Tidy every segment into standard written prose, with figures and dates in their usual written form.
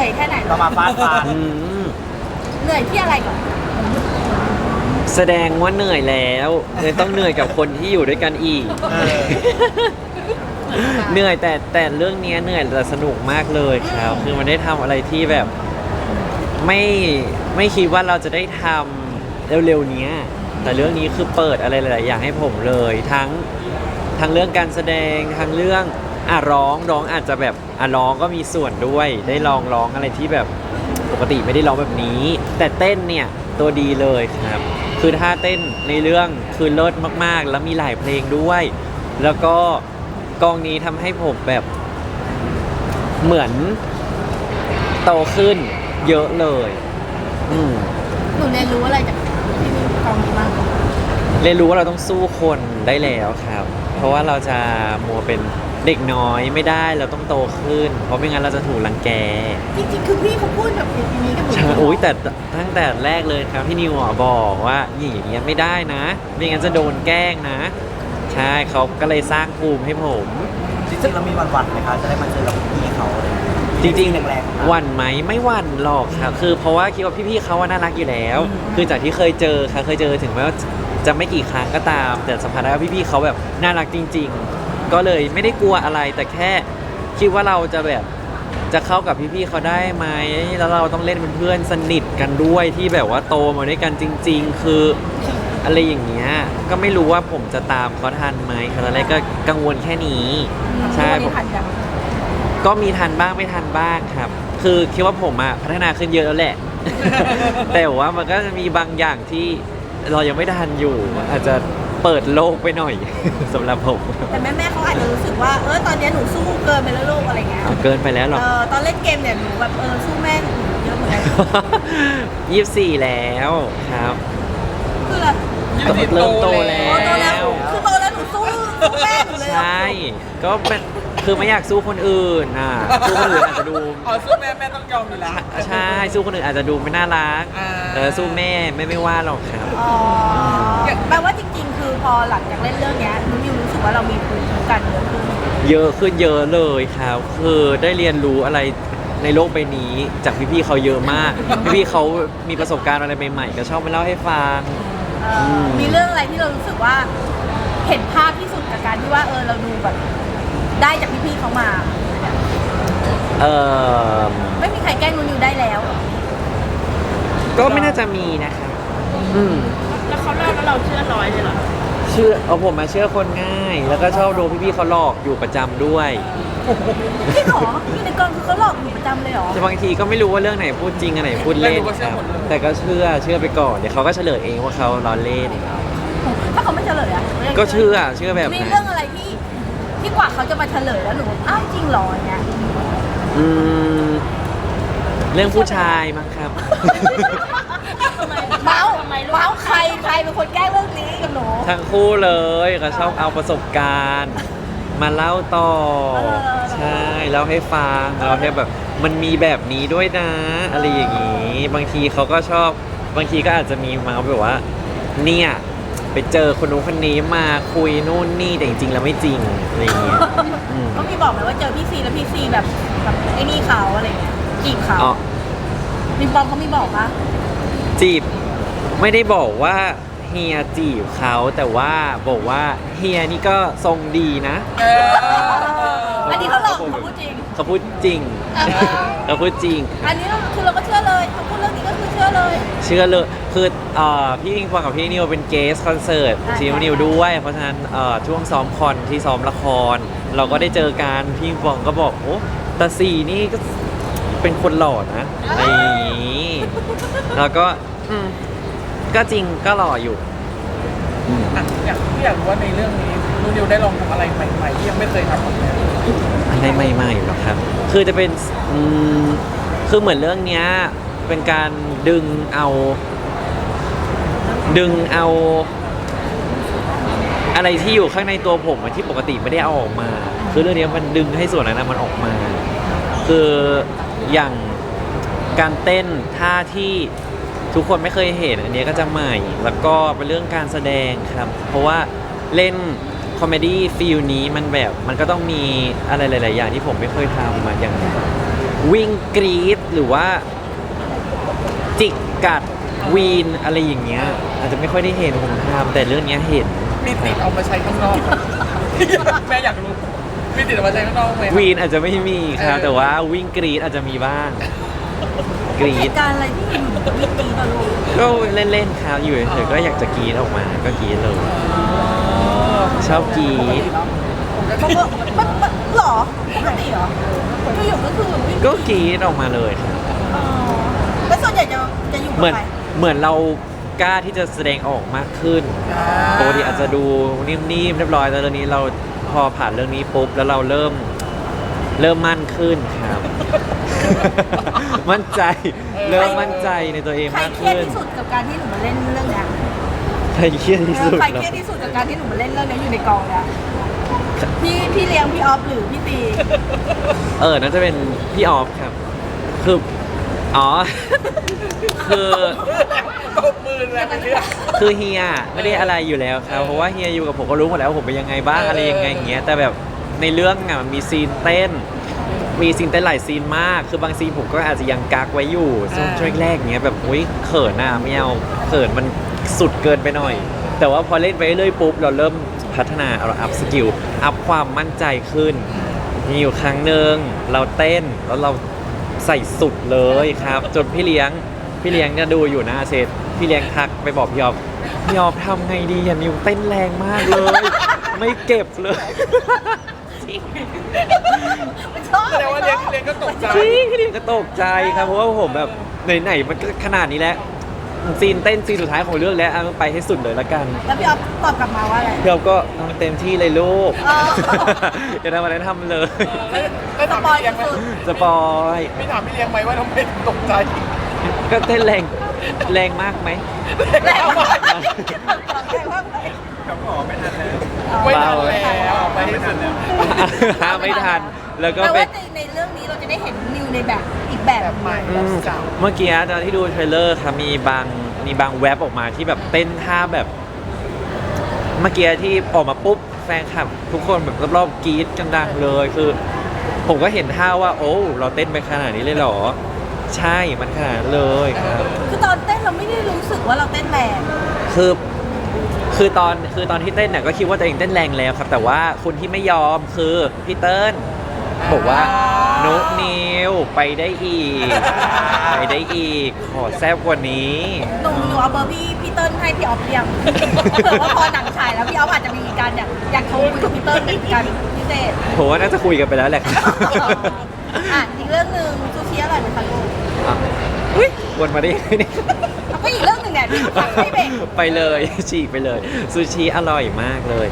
นื่อยแค่ไหนก็มาฟาดฟันเหนื่อยที่อะไรก่อนแสดงว่าเหนื่อยแล้วเลยต้องเหนื่อยกับคนที่อยู่ด้วยกันอีกเออเหนื่อยแต่เรื่องนี้เหนื่อยแต่สนุกมากเลยครับคือมันได้ทำอะไรที่แบบไม่คิดว่าเราจะได้ทำเร็วๆเนี้ยแต่เรื่องนี้คือเปิดอะไรหลายๆอย่างให้ผมเลยทั้งเรื่องการแสดงทั้งเรื่องร้องอาจจะแบบร้องก็มีส่วนด้วยได้ลองร้องอะไรที่แบบปกติไม่ได้ร้องแบบนี้ แต่เต้นเนี่ยตัวดีเลยครับคือท่าเต้นในเรื่องคือเลิศมากๆ แล้วมีหลายเพลงด้วย แล้วก็กองนี้ทำให้ผมแบบเหมือนโตขึ้นเยอะเลยหนูเรียนรู้อะไรจากที่นี่กองนี้บ้างเรียนรู้ว่าเราต้องสู้คนได้แล้วครับ เพราะว่าเราจะมัวเป็นเด็กน้อยไม่ได้เราต้องโตขึ้น เพราะไม่งั้นเราจะถูกรังแกจริงๆคือพี่เขาพูดแบบอย่างนี้กับหนูใช่โอ้ยแต่ตั้งแต่แรกเลยครับพี่นิวบอกว่าอย่างเงี้ยไม่ได้นะไม่งั้นจะโดนแกล้งนะใช่เขาก็เลยสร้างภูมิให้ผมจริงๆเรามีวันๆไหมคะจะได้มาเจอกับพี่เขาอะไรอย่างเงี้ยจริงแรงๆหวั่นไหมไม่หวั่นหรอกครับคือเพราะว่าคิดว่าพี่ๆเขาว่าน่ารักอยู่แล้ว คือจากที่เคยเจอค่ะเคยเจอถึงแม้ว่าจะไม่กี่ครั้งก็ตาม แต่สัมผัสได้ว่าพี่ๆเขาแบบน่ารักจริง ๆ ก็เลยไม่ได้กลัวอะไรแต่แค่คิดว่าเราจะแบบจะเข้ากับพี่ๆเขาได้ไหมแล้วเราต้องเล่นเป็นเพื่อนสนิทกันด้วยที่แบบว่าโตมาด้วยกันจริง ๆ คืออะไรอย่างเงี้ยก็ไม่รู้ว่าผมจะตามเขาทันไหมครับตอนแรกก็กังวลแค่นี้ใช่มีผ่านยังก็มีทันบ้างไม่ทันบ้างครับ คือคิดว่าผมพัฒนาขึ้นเยอะแล้วแหละ แต่ว่ามันก็จะมีบางอย่างที่เรายังไม่ทันอยู่ อาจจะเปิดโลกไปหน่อย สำหรับผมแต่แม่เขาอาจจะรู้สึกว่าตอนนี้หนูสู้เกินไปแล้วลูกอะไรเงี้ยเกินไปแล้วหรอตอนเล่นเกมเนี่ยหนูแบบสู้แม่หนูเยอะเหมือนกัน 24 แล้วครับคือเริ่มโตแล้โตแล้ววคือโตแล้วหนูสู้แม่หนูเลยใช่ ก็เป็นคือไม่อยากสู้คนอื่นน่ะสู้คนอื่นอาจจะดูสู้แม่ต้องยอมอยู่แล้วใช่สู้คนอื่นอาจจะดูไม่น่ารักอ่าแต่สู้แม่ไม่ว่าหรอกครับอ๋อแปลว่าจริงๆ คือพอหลังจากเล่นเรื่องเนี้ยหนูรู้สึกว่าเรามีภูมิคุ้มกันเยอะขึ้นเยอะเลยครับ คือได้เรียนรู้อะไรในโลกใบนี้จากพี่ๆเขาเยอะมาก พี่ๆเขามีประสบการณ์อะไรใหม่ๆก็ชอบมาเล่าให้ฟังมีเรื่องอะไรที่เรารู้สึกว่าเห็นภาพที่สุดกับการที่ว่าเราดูแบบได้จากพี่ๆเขามาเออไม่มีใครแกล้งนิวได้แล้วก็ไม่น่าจะมีนะครับแล้วเขาเล่าแล้วเราเชื่อร้อยเลยเหรอเชื่อผมมาเชื่อคนง่าย แล้วก็ชอบโดนพี่ๆเขาหลอกอยู่ประจำด้วยพี่หรอพี่ในกองคือเขาหลอกหนูประจำเลยเหรอแต่บางทีก็ไม่รู้ว่าเรื่องไหนพูดจริงอันไหนพูดเล่นครับแต่ก็เชื่อไปก่อนเดี๋ยวเขาก็เฉลยเองว่าเขาล้อเล่นถ้าเขาไม่เฉลยอะก็เชื่อแบบมีนั้นเรื่องอะไรที่กว่าเขาจะมาเฉลยแล้วหนูอ้าวจริงเหรออย่างเงี้ยอืมเรื่องผู้ชายมั้งครับเมาส์ใครเป็นคนแกล้งเรื่องนี้กับหนูทั้งคู่เลยก็ชอบเอาประสบการณ์ มาเล่าต่อ ใช่เล่าให้ฟังเราให้แบบมันมีแบบนี้ด้วยนะ อะไรอย่างนี้ บางทีเขาก็ชอบบางทีก็อาจจะมีมาแบบว่า เนี่ยไปเจอคนนู้นคนนี้มาคุยนู่นนี่แต่จริงๆแล้วไม่จริงอะไรอย่างเงี้ยอืมก็มีบอกไหมว่าเจอพี่ซีแล้วพี่ซีแบบไอ้นี่เขาอะไรเงี้ยจีบเขาอ๋อมีปอมเขามีบอกปะจีบไม่ได้บอกว่าเฮียจีบเขาแต่ว่าบอกว่าเฮียนี่ก็ทรงดีนะอันนี้เขาหลอกเขาพูดจริงเขาพูดจริง เขาพูดจริงอันนี้คือเราก็เชื่อเลยเขาพูดเรื่องนี้ก็คือเชื่อเลยเชื่อเลยคือพี่ปิงปองกับพี่นิวเป็นเกสคอนเสิร์ตอ่าซีนิวด้วย เพราะฉะนั้นช่วงซ้อมคอนที่ซ้อมละคร เราก็ได้เจอกันพี่ปิงปองก็บอกโอ้แต่สี่นี่ก็เป็นคนหล่อนะอะไรอย่างนี้แล้วก็ก็จริงก็หล่ออยู่อยากรู้ว่าในเรื่องนี้นูนิวได้ลองทำอะไรใหม่ๆที่ยังไม่เคยทำมาก่อนอะไรใหม่ๆหรอครับ คือจะเป็นคือเหมือนเรื่องเนี้ยเป็นการดึงเอาอะไรที่อยู่ข้างในตัวผมอะที่ปกติไม่ได้เอาออกมา คือเรื่องนี้มันดึงให้ส่วนนั้นมันออกมา คืออย่างการเต้นท่าที่ทุกคนไม่เคยเห็นอันนี้ก็จะใหม่ แล้วก็เป็นเรื่องการแสดงครับ เพราะว่าเล่นคอมเมดี้ฟีลนี้มันแบบมันก็ต้องมีอะไรหลาย ๆ อย่างที่ผมไม่เคยทำมาอย่างวิ่งกรีดหรือว่าจิกกัดวีนอะไรอย่างเงี้ยอาจจะไม่ค่อยได้เห็นผมทำแต่เรื่องเนี้ยเห็นมีติดเอามาใช้ข้างนอก แม่อยากรู้มีติดเอามาใช้ข้างนอกไหมวีนอาจจะไม่มีครับแต่ว่าวิ่งกรีดอาจจะมีบ้างกรีเหดตุการณ์อะไรที่อยู่กับพี่ตีตอนลูกก็เล่นๆครับอยู่เฉยๆก็อยากจะกรีดออกมาก็กรีดเลยชอบกรีดเขาก็มันหรอปกติเหรอก็อยู่ก็คือวิ่งก็กรีดออกมาเลยครับอ๋อแล้วส่วนใหญ่จะอยู่เหมืกับอนใครเหมือนเรากล้าที่จะแสดงออกมากขึ้นปกติอาจจะดูนิ่มๆเรียบร้อยแต่ตอนนี้เราพอผ่านเรื่องนี้ปุ๊บแล้วเราเริ่มมั่นขึ้นครับ มั่นใจเริ่มมั่นใจในตัวเองใครมากเครียดขึ้นที่สุดกับการที่หนูมาเล่นเรื่องเนี้ยใครเครียดที่สุดใครเหรเคอรียดที่สุดกับการที่หนูมาเล่นเรื่องเนี้ยอยู่ในกองเนี่ยพี่เลี้ยงพี่ออฟหรือพี่ตีน่าจะเป็นพี่ออฟครับ คืออ๋อ คือตบมือแรงไปเรื่อยคือเฮียไม่ได้อะไรอยู่แล้วครับเพราะว่าเฮียอยู่กับผมก็รู้หมดแล้วว่าผมเป็นยังไงบ้างอะไรยังไงอย่างเงี้ยแต่แบบในเรื่องอ่ะมันมีซีนเต้นหลายซีนมาก คือบางซีนผมก็อาจจะยังกักไว้อยู่ช่วงแรกๆเงี้ยแบบอุ้ยเขินอ่ะไม่เอาเขินมันสุดเกินไปหน่อย แต่ว่าพอเล่นไปเรื่อยปุ๊บเราเริ่มพัฒนาเราอัพสกิลอัพความมั่นใจขึ้นมีอยู่ครั้งหนึ่งเราเต้นแล้วเราใส่สุดเลยครับ จนพี่เลี้ยงเนี่ยดูอยู่หน้าเซตพี่เลี้ยงทักไปบอกพี่ออฟทำไงดีอ่ะนิวเต้นแรงมากเลย ไม่เก็บเลยมันชอบแสดงว่าเลี้ยงก็ตกใจจริงพี่เลี้ยงก็ตกใจครับเพราะว่าผมแบบไหนๆมันก็ขนาดนี้แล้วซีนเต้นซีนสุดท้ายของเรื่องแล้วเอาไปให้สุดเลยละกันแล้วพี่ออฟตอบกลับมาว่าอะไรพี่ออฟก็ทำเต็มที่เลยลูกอ๋ออย่าทำอะไรทำเลยแล้วถามพี่เลี้ยงไหมสปอยพี่ถามพี่เลี้ยงไหมว่าทำไมถึงตกใจก็เต้นแรงมากไหมแรงมากแรงมากเลยไม่ทันเบาแล้วไปให้สุดแล้วห้ามไม่ทัน แล้วก็แปลไปว่าในเรื่องนี้เราจะได้เห็นนิวในแบบอีกแบบแบบใหม่อืแบบมเก่าเมื่อกี้ตอนที่ดูเทรลเลอร์ครับมีบางแว็บออกมาที่แบบเต้นท่าแบบ เมื่อกี้ที่ออกมาปุ๊บแฟนคลับทุกคนแบบรอบๆกรี๊ดกันดังเลยคือ ผมก็เห็นท่าว่า โอ้เราเต้นไปขนาดนี้เลยเหรอ ใช่มันขนาดนั้นเลยครับคือตอนเต้นเราไม่ได้รู้สึกว่าเราเต้นแรงคือตอนที่เต้นเนี่ยก็คิดว่าตัวเองเต้นแรงแล้วครับ แต่ว่าคนที่ไม่ยอมคือพี่เติ้ลบอกว่านุกนิวไปได้อีก ขอแซ่บกว่านี้หนูเอาเบอร์พี่เติ้ลให้พี่ออฟเรียงเผื่อว่าพอหนังฉายแล้วพี่ออฟอาจจะมีการอยากโทรคุยกับพี่เติ้ลเป็นการพิเศษผมว่าน่าจะคุยกันไปแล้วแหละครับอ่ะอีกเรื่องหนึ่งซูชิอร่อยไหมคะลูกอ่ะอุ๊ยวนมาได้ยังไงเนี่ยเอาก็อีกเรื่องหนึ่งเนี่ยที่ฟังไม่เบรกไปเลยฉีกไปเลยซูชิอร่อยมากเลย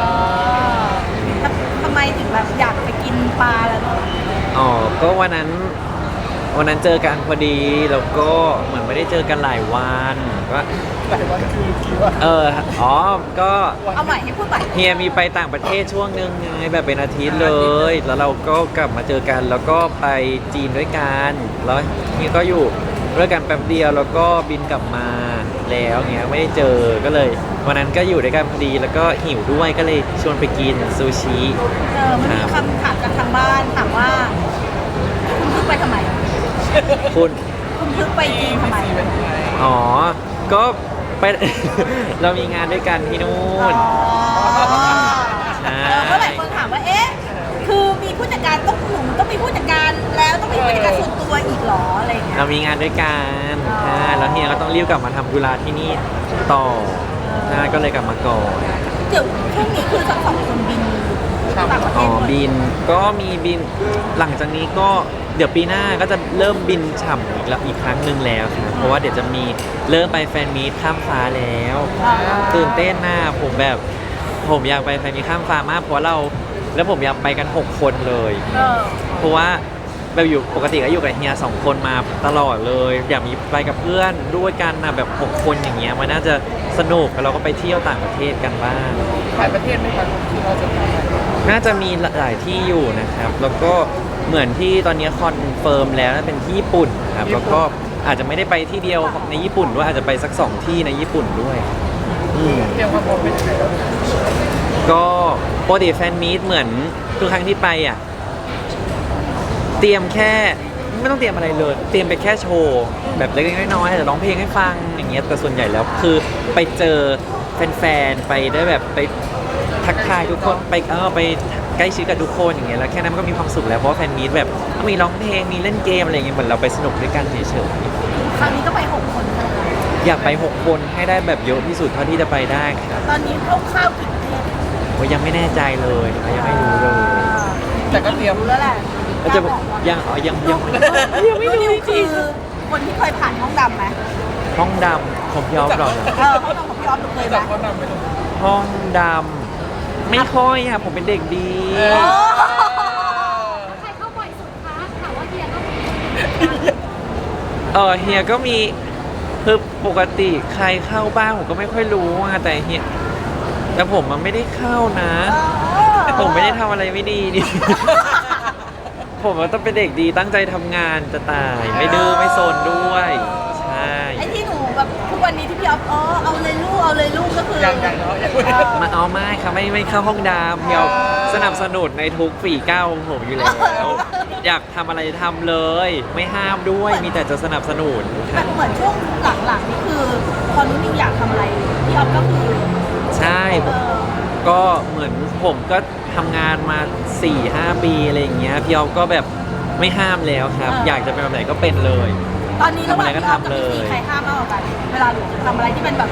ทำไมถึงแบบอยากไปกินปลาแล้วลูกอ๋อก็วันนั้นเจอกันพอดีแล้วก็เหมือนไม่ได้เจอกันหลายวันก็หลายวันคือกี่วันก็เอาใหม่ให้พูดใหม่เฮียมีไปต่างประเทศช่วงนึงไงแบบเป็นอาทิตย์เลย แล้วเราก็กลับมาเจอกันแล้วก็ไปจีนด้วยกันแล้วเฮียก็อยู่ด้วยกันแป๊บเดียวแล้วก็บินกลับมาแล้วเงี้ยไม่ได้เจอก็เลยวันนั้นก็อยู่ด้วยกันพอดีแล้วก็หิวด้วยก็เลยชวนไปกินซูชิมันมีคำถามจากทางบ้านถามว่าคุณพึกไปทำไมคุณคุณพึกไปจีนทำไมอ๋อ ก็ไป เรามีงานด้วยกันที่นู่น ใช่เพราะหลายคนถามว่า เอ๊ะ คือมีผู้จัดการต้องหนุ่มต้องมีผู้จัดการแล้วต้องมีผู้จัดการส่วนตัวอีกเหรออะไรอย่างเงี้ยเรามีงานด้วยกันอ๋อใช่แล้วเฮียก็ต้องรีบกลับมาทำธุระที่นี่ต่อใช่ก็เลยกลับมาก่อนเดี๋ยวช่วงนี้คือทั้งสองคนบินต่างประเทอ๋อศหมดบินก็มีบินหลังจากนี้ก็เดี๋ยวปีหน้าก็จะเริ่มบินฉ่ำอีกครั้งหนึ่งแล้วครับเพราะว่าเดี๋ยวจะมีเริ่มไปแฟนมีตข้ามฟ้าแล้ว ตื่นเต้นนะผมอยากไปแฟนมีตข้ามฟ้ามากเพราะแล้วผมอยากไปกัน 6 คนเลยเออเพราะว่าแบบอยู่ปกติก็อยู่กับเฮีย2 คนมาตลอดเลย อยากมีไปกับเพื่อนด้วยกันนะแบบ 6 คนอย่างเงี้ยมันน่าจะสนุกเราก็ไปเที่ยวต่างประเทศกันบ้างหลายประเทศไหมครับที่เราจะไปน่าจะมีหลายที่อยู่นะครับ แล้วก็เหมือนที่ตอนนี้คอนเฟิร์มแล้วน่าเป็นที่ญี่ปุ่นครับแล้วก็อาจจะไม่ได้ไปที่เดียวในญี่ปุ่นด้วยอาจจะไปสัก2 ที่ในญี่ปุ่นด้วยอืมเตรียมความพร้อมเป็นยังไงครับก็ปกติแฟนมีตเหมือนทุกครั้งที่ไปอ่ะเตรียมแค่ไม่ต้องเตรียมอะไรเลย เตรียมไปแค่โชว์แบบเล็กๆน้อยๆแต่ร้องเพลงให้ฟังอย่างเงี้ยแต่ส่วนใหญ่แล้วคือไปเจอแฟนๆไปได้แบบไปทักทายทุกคนไปไปใกล้ชิดกับทุกคนอย่างเงี้ยแล้วแค่นั้นมันก็มีความสุขแล้วเพราะว่าแฟนมีตแบบมีร้องเพลงมีเล่นเกมอะไรอย่างเงี้ยเหมือนเราไปสนุกด้วยกันเฉยครั้งนี้ก็ไป6 คนค่ะๆอยากไป6คนให้ได้แบบเยอะที่สุดเท่าที่จะไปได้ครับตอนนี้คร่าวๆกี่ประเทศโอ้ยยังไม่แน่ใจเลยยังไม่รู้เลยแต่ก็เตรียมรู้แล้วแหละก็จะยังยังไม่รู้นิวคือคนที่เคยผ่านห้องดำไหมห้องดำผมยอมหรอกนะห้องดำของพี่ออฟหนูเคยไหมจากคนนำไปลงห้องดำไม่ค่อยอะผมเป็นเด็กดีโอ้ใครเข้าบ่อยสุดคะถามว่าเฮียก็มีเฮียก็มีคือปกติใครเข้าบ้างผมก็ไม่ค่อยรู้อะแต่เฮียแต่ผมมันไม่ได้เข้านะ ผมไม่ได้ทำอะไรไม่ดีดิ ผมก็ต้องเป็นเด็กดีตั้งใจทำงานจะตาย ไม่ดื้อไม่โซนด้วย ใช่ไอ้ที่หนูแบบทุกวันนี้ที่พี่ออฟเอาเลยลูกก็คือยังเนาะยังมาเอาไม่ครับไม่เข้าห้องดำเฮียสนับสนุนในทุกฝีก้าวของผมอยู่แล้ว อยากทำอะไรทำเลย ไม่ห้ามด้วยมีแต่จะสนับสนุนคแต่รับเหมือนช่วงหลังๆนี่คือพอนุ่นนิวอยากทำอะไรพี่ออฟก็คือใช่ ก็เหมือนผมก็ทำงานมา 4-5 ปีอะไรอย่างเงี้ยพี่ออฟก็แบบไม่ห้ามแล้วครับ อยากจะเป็นแบบไหนก็เป็นเลยตอนนี้ระหว่างพี่ออฟกับทำอะไรก็ทำเลยพี่ซีใครห้ามมากกว่ากันเวลาหนูทำอะไรที่เป็นแบบ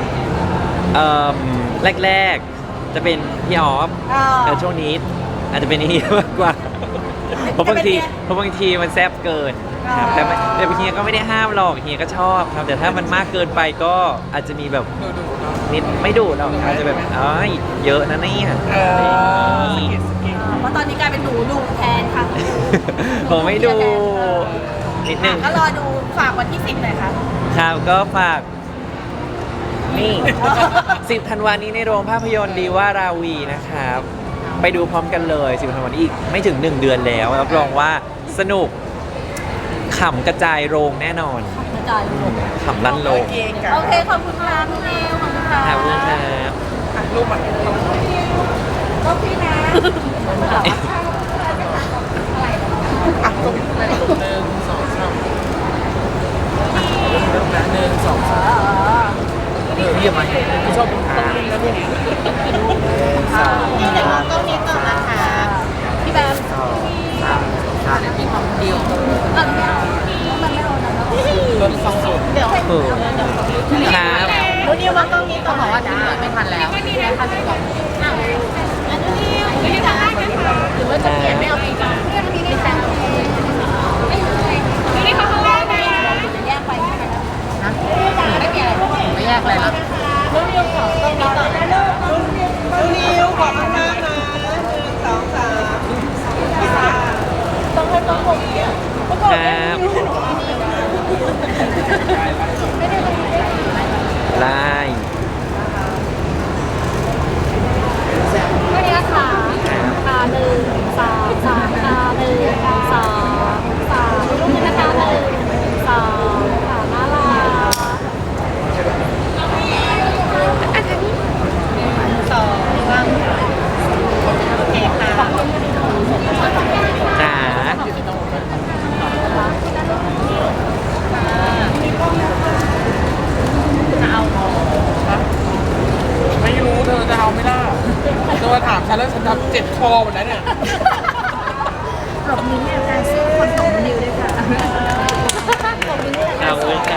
แรกๆจะเป็นพี่ออฟแต่ช่วงนี้อาจจะเป็นเฮียมากกว่าเพราะบางทีมันแซบเกินครับแต่เฮียก็ไม่ได้ห้ามหรอกเฮียก็ชอบครับ แต่ถ้ามันมากเกินไปก็อาจจะมีแบบดูเนาะนิดไม่ดุหรอกอาจจะแบบเยอะนะเนี่ยอะไรอย่างงี้เพราะตอนนี้กลายเป็นหนูดูแทนค่ะผมไม่ดูนิดนึงก็รอดูฝากวันที่10หน่อยค่ะครับก็ฝากนี่ 10 ธันวานี้ในโรงภาพยนตร์ดีว่าราวีนะครับ ไปดูพร้อมกันเลย 10 ธันวานี้อีกไม่ถึง 1 เดือนแล้วรับรองว่าสนุกขำกระจายโรงแน่นอนกระจายลูกขำลั่นโรงโอเคขอบคุณค่ะพี่นิวขอบคุณค่ะขอบคุณครับรูปมันก็พี่นะอ่ะตรงไหนตรง1 2 3เริ่มนะ1 2 3เยี่ยมไหมชอบต้องเล่นนะพวกนี้นี่เดี๋ยวมองกล้องนี้ก่อนนะคะพี่แบมมีความเดียวมันไม่เอานะรถสองศูนย์เดี๋ยวครับรู้นิวมองกล้องนี้ก่อนบอกว่าจะไม่ทันแล้วไม่มีนะคะพี่บอกอ้าวอันนี้ไม่ได้ทำได้นะคะหรือว่าจะเปลี่ยนไม่เอาอีกอ่ะเรื่องนี้ได้แต่ไม่เลยนี่เขาแรกนะจะแยกไปไหมนะไม่เปลี่ยนอะไรไม่แยกอะไรแล้วรู้นิวขอตรงนี้ก่อนนะรู้นิวขอบคุณมากนะ1 2 3ต้องให้ต้องผมเนี่ยครับไล่ก็นี้ค่ะค่ะ1 2 3ค่ะ1 2 3รูปนี้นะคะ1 2ค่ะน่ารักอันนี้จ๋าไม่รู้เธอจะเอาไม่ได้เธอมาถามฉันแล้วฉันทำเจ็บคอหมดแล้วเนี่ยปรบมือให้อาจารย์คนส่งนิวด้วยค่ะขอบคุณค